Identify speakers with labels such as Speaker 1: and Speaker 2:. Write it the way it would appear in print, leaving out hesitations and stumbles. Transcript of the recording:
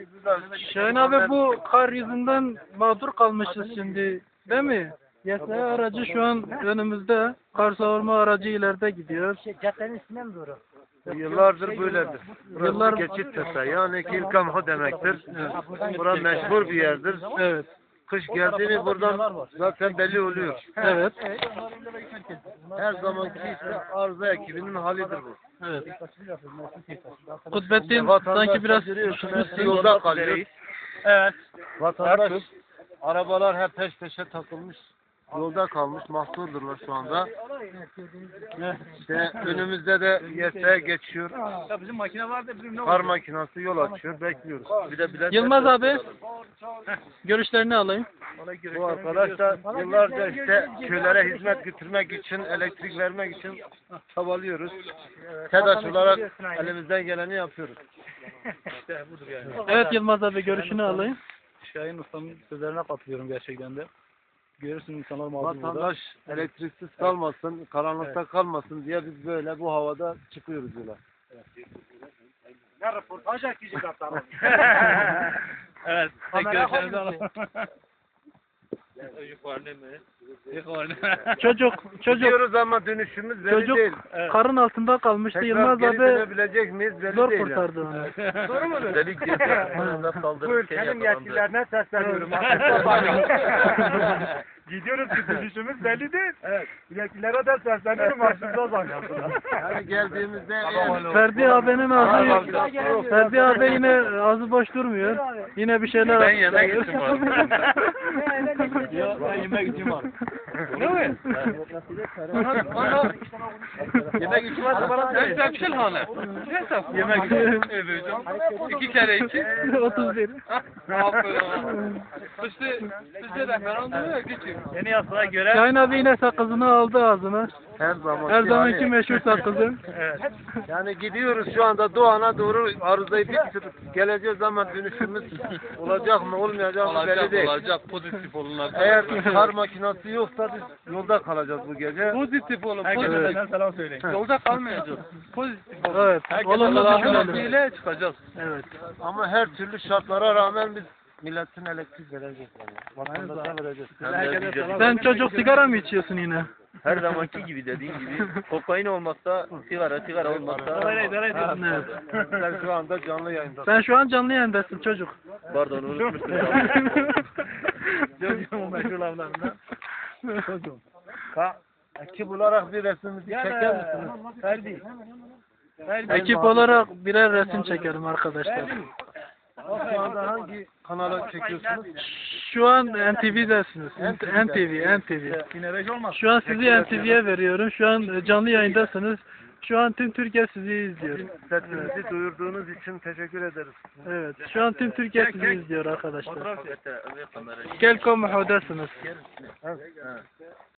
Speaker 1: Şahin abi bu kar yüzünden mağdur kalmışız şimdi değil mi? YSA aracı şu an önümüzde. Kar savurma aracı ileride gidiyor.
Speaker 2: Caddenin üstüne mi doğru?
Speaker 3: Yıllardır böyledir. Burası
Speaker 1: Yıllar-
Speaker 3: geçit tasa. Yani kilkamho demektir. Bura meşhur bir yerdir.
Speaker 1: Evet.
Speaker 3: Kış geldi mi buradan zaten belli oluyor.
Speaker 1: Evet.
Speaker 3: Her zamanki işte arıza ekibinin halidir bu.
Speaker 1: Evet. Kutbettin
Speaker 3: Vatandaş
Speaker 1: sanki biraz
Speaker 3: görüyorsunuz, yolda kalıyor.
Speaker 2: Evet.
Speaker 3: Vatandaş, arabalar hep peş peşe takılmış. Yolda kalmış, mahsurdurlar şu anda. İşte önümüzde de YS'ye geçiyor.
Speaker 2: Ya bizim makine vardı bizim ne
Speaker 3: Kar makinası yol açıyor, bekliyoruz. Bir de bilet
Speaker 1: Yılmaz abi görüşlerini alayım.
Speaker 3: bu arkadaş da yıllarca işte köylere hizmet götürmek için, elektrik vermek için çabalıyoruz. TEDAŞ olarak elimizden geleni yapıyoruz.
Speaker 2: İşte budur yani.
Speaker 1: Evet Yılmaz abi görüşünü alayım.
Speaker 2: Şahin Usta'nın sözlerine katılıyorum gerçekten de. Görürsün insanlar mağdur burada.
Speaker 3: Vatandaş elektriksiz kalmasın, karanlıkta kalmasın diye biz böyle bu havada çıkıyoruz yola.
Speaker 2: Ne röportaj yakıcı kaptanım. Evet. Tek görüşlerinizi alalım.
Speaker 1: Çocuk
Speaker 3: Gidiyoruz ama dönüşümüz belli
Speaker 1: çocuk
Speaker 3: değil.
Speaker 1: karın altında kalmıştı.
Speaker 3: Tekrar
Speaker 1: Yılmaz
Speaker 3: geri
Speaker 1: abi
Speaker 3: dönebilecek miyiz belli
Speaker 1: zor
Speaker 3: değil.
Speaker 1: kurtardı onu.
Speaker 2: Doğru mu?
Speaker 3: Bu ülkenin yetkililerine sesleniyorum.
Speaker 2: Gidiyoruz ki dönüşümüz belli değil. Evet. Yetkililere de sesleniyorum başımıza zangasınlar.
Speaker 3: Yani geldiğimizde
Speaker 1: Ferdi abi yine ağzı boş durmuyor. Yine bir şeyler
Speaker 3: Ben yemek için varım.
Speaker 2: Ya ben yemek için varım.
Speaker 1: Ne mi?
Speaker 3: Yemek için varsa bana
Speaker 4: Ben Zemşil Hanı. Hesap yemek eveceğim. 2 kere 2.
Speaker 1: 31.
Speaker 4: Sizce referandum ya geçin.
Speaker 2: Yeni yasaya göre
Speaker 1: Şahin abi yine sakızını aldı ağzına.
Speaker 3: her zaman.
Speaker 1: Her zamanki meşhur sakızı.
Speaker 3: Yani gidiyoruz şu anda Doğan'a doğru arızayı bitirip geleceğiz ama dönüşümüz olacak mı olmayacak mı belli değil.
Speaker 4: Olacak pozitif olun
Speaker 3: Eğer kar makinesi yoksa biz yolda kalacağız bu gece.
Speaker 4: Pozitif olun.
Speaker 2: herkese
Speaker 4: Pozitif.
Speaker 2: benden selam söyleyin.
Speaker 4: Yolda kalmayacağız. Pozitif olun.
Speaker 1: Evet. Olumlu
Speaker 4: Allah'ın
Speaker 1: düşünelim.
Speaker 4: izniyle çıkacağız.
Speaker 1: Evet.
Speaker 3: Ama her türlü şartlara rağmen biz milletin elektrik vereceğiz. Yani. Vatandaşa vereceğiz.
Speaker 2: Herkese selam.
Speaker 1: Sen çocuk sigara mı içiyorsun yine?
Speaker 5: Her zamanki gibi dediğin gibi kokain olmazsa sigara olmazsa
Speaker 1: Evet.
Speaker 3: Sen şu anda canlı yayındasın.
Speaker 1: Sen şu an canlı yayındasın çocuk.
Speaker 5: pardon unutmuştum.
Speaker 2: Çocuğumun meşhur laflarından. Çocuğum.
Speaker 3: Ekip olarak bir resmimizi çeker misiniz?
Speaker 2: Ferdi.
Speaker 1: Ekip olarak birer resim çekelim arkadaşlar.
Speaker 3: Şu anda hangi kanala çekiyorsunuz?
Speaker 1: Şu an NTV'desiniz. NTV.
Speaker 2: Yine beş olmaz.
Speaker 1: Şu an sizi NTV'ye veriyorum. Şu an canlı yayındasınız. Şu an tüm Türkiye sizi izliyor.
Speaker 3: Sesinizi duyurduğunuz için teşekkür ederiz.
Speaker 1: Evet. Şu an tüm Türkiye sizi izliyor arkadaşlar. Kelkom muhdasınız.